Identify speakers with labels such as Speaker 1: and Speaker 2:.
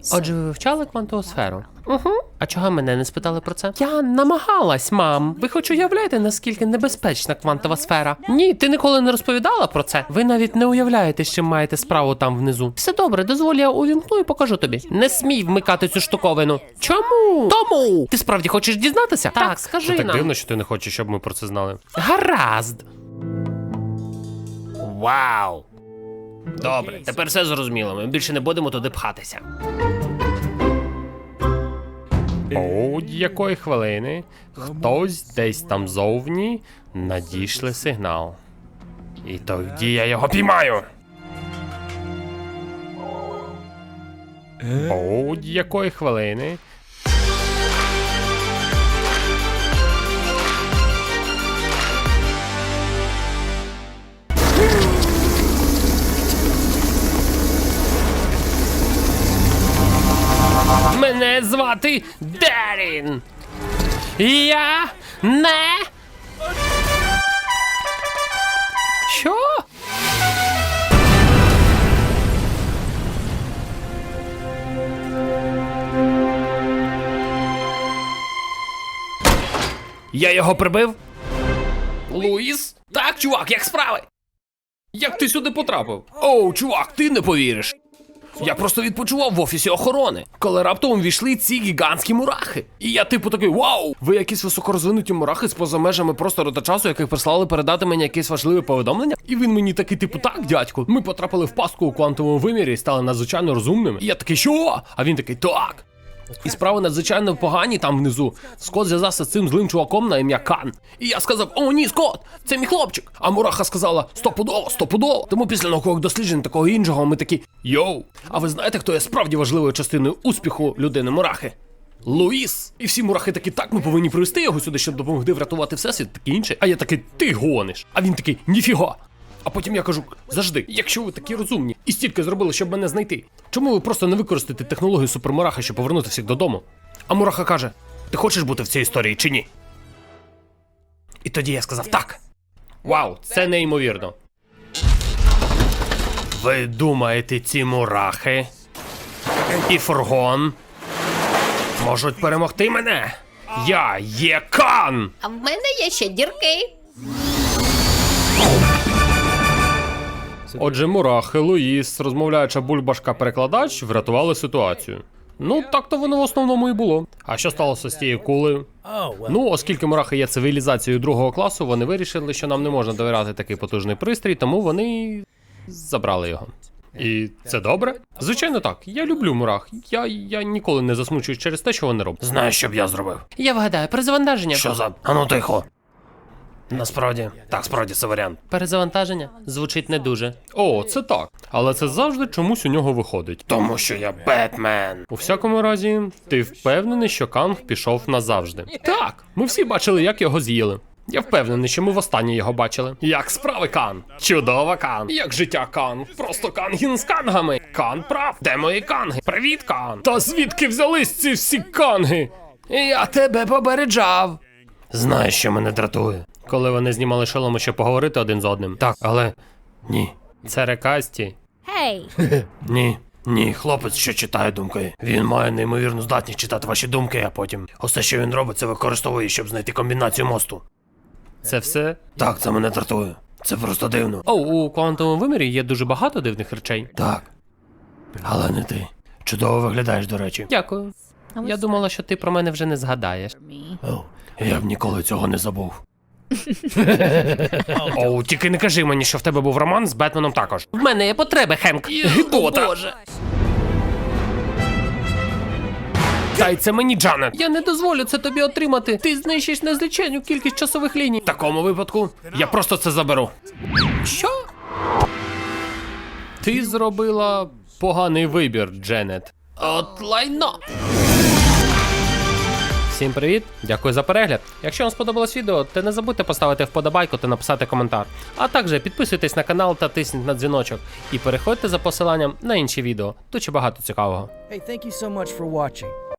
Speaker 1: Отже, ви вивчали квантову сферу? Угу. А чого мене не спитали про це? Я намагалась, мам. Ви хоч уявляєте, наскільки небезпечна квантова сфера? Ні, ти ніколи не розповідала про це. Ви навіть не уявляєте, з чим маєте справу там внизу. Все добре, дозволь, я увімкну і покажу тобі. Не смій вмикати цю штуковину. Чому? Тому! Ти справді хочеш дізнатися? Так, скажи
Speaker 2: Це
Speaker 1: нам.
Speaker 2: так дивно, що ти не хочеш, щоб ми про це знали.
Speaker 1: Гаразд.
Speaker 2: Вау! Добре, тепер все зрозуміло, ми більше не будемо туди пхатися.
Speaker 1: Будь-якої хвилини хтось десь там зовні надійшли сигнал. І тоді я його піймаю. Будь-якої хвилини. Мене звати Дерін. Я не... Що?
Speaker 2: Я його прибив?
Speaker 1: Луїс?
Speaker 2: Так, чувак, як справи? Як ти сюди потрапив? Оу, чувак, ти не повіриш. Я просто відпочивав в офісі охорони, коли раптом увійшли ці гігантські мурахи. І я типу такий, вау! Ви якісь високорозвинуті мурахи з поза межами простору та часу, яких прислали передати мені якесь важливе повідомлення? І він мені такий, типу, так, дядьку, ми потрапили в пастку у квантовому вимірі і стали надзвичайно розумними. І я такий, що? А він такий, так. І справи надзвичайно погані там внизу. Скот зв'язався з цим злим чуваком на ім'я Кан. І я сказав, о ні, Скот, це мій хлопчик. А мураха сказала, стопудово, стопудово. Тому після наукових досліджень такого іншого ми такі, йоу. А ви знаєте, хто є справді важливою частиною успіху людини мурахи? Луїс. І всі мурахи такі, так, ми повинні привезти його сюди, щоб допомогти врятувати всесвіт, таке інше. А я такий, ти гониш. А він такий, ніфіга. А потім я кажу, завжди, якщо ви такі розумні і стільки зробили, щоб мене знайти, чому ви просто не використаєте технологію супермураха, щоб повернути всіх додому? А мураха каже, ти хочеш бути в цій історії чи ні? І тоді я сказав, так. Вау, це неймовірно. Ви думаєте, ці мурахи і фургон можуть перемогти мене? Я є Кан!
Speaker 3: А в мене є ще дірки.
Speaker 1: Отже, мурахи, Луїс, розмовляюча бульбашка-перекладач врятували ситуацію. Ну, так то воно в основному і було. А що сталося з тією кулею? Ну, оскільки мурахи є цивілізацією другого класу, вони вирішили, що нам не можна довіряти такий потужний пристрій, тому вони забрали його. І це добре? Звичайно так, я люблю мурах. Я ніколи не засмучуюсь через те, що вони роблять.
Speaker 2: Знаєш, що б я зробив?
Speaker 1: Я вгадаю, перезавантаження.
Speaker 2: Що за... Ану тихо. Насправді, так, справді це варіант.
Speaker 1: Перезавантаження? Звучить не дуже. О, це так. Але це завжди чомусь у нього виходить.
Speaker 2: Тому що я Бетмен.
Speaker 1: У всякому разі, ти впевнений, що Канг пішов назавжди? Так, ми всі бачили, як його з'їли. Я впевнений, що ми востаннє його бачили. Як справи, Кан? Чудово, Кан. Як життя, Кан? Просто Кангін з кангами. Кан прав. Де мої канги? Привіт, Кан. Та звідки взялись ці всі канги?
Speaker 2: Я тебе попереджав. Знаєш, що мене дратує?
Speaker 1: Коли вони знімали шоломи, щоб поговорити один з одним.
Speaker 2: Так, але... Ні.
Speaker 1: Це рекасті.
Speaker 2: Ні, хлопець, що читає думки. Він має неймовірну здатність читати ваші думки, а потім усе, що він робить, це використовує, щоб знайти комбінацію мосту.
Speaker 1: Це все?
Speaker 2: Так, це мене дратує. Це просто дивно.
Speaker 1: О, у квантовому вимірі є дуже багато дивних речей.
Speaker 2: Так. Але не ти. Чудово виглядаєш, до речі.
Speaker 1: Дякую. Я думала, що ти про мене вже не згадаєш.
Speaker 2: О, я б ніколи цього не забув.
Speaker 1: Оу, тільки не кажи мені, що в тебе був роман з Бетменом також. В мене є потреби, Хенк.
Speaker 2: Гидота.
Speaker 1: Боже.
Speaker 2: Дай це мені, Джанет.
Speaker 1: Я не дозволю це тобі отримати. Ти знищиш незліченню кількість часових ліній.
Speaker 2: В такому випадку я просто це заберу.
Speaker 1: Що? Ти зробила поганий вибір, Дженет.
Speaker 2: От лайно.
Speaker 1: Всім привіт, дякую за перегляд. Якщо вам сподобалось відео, то не забудьте поставити вподобайку та написати коментар. А також підписуйтесь на канал та тисніть на дзвіночок. І переходьте за посиланням на інші відео. Тут ще багато цікавого.
Speaker 4: Hey, thank you so much for watching.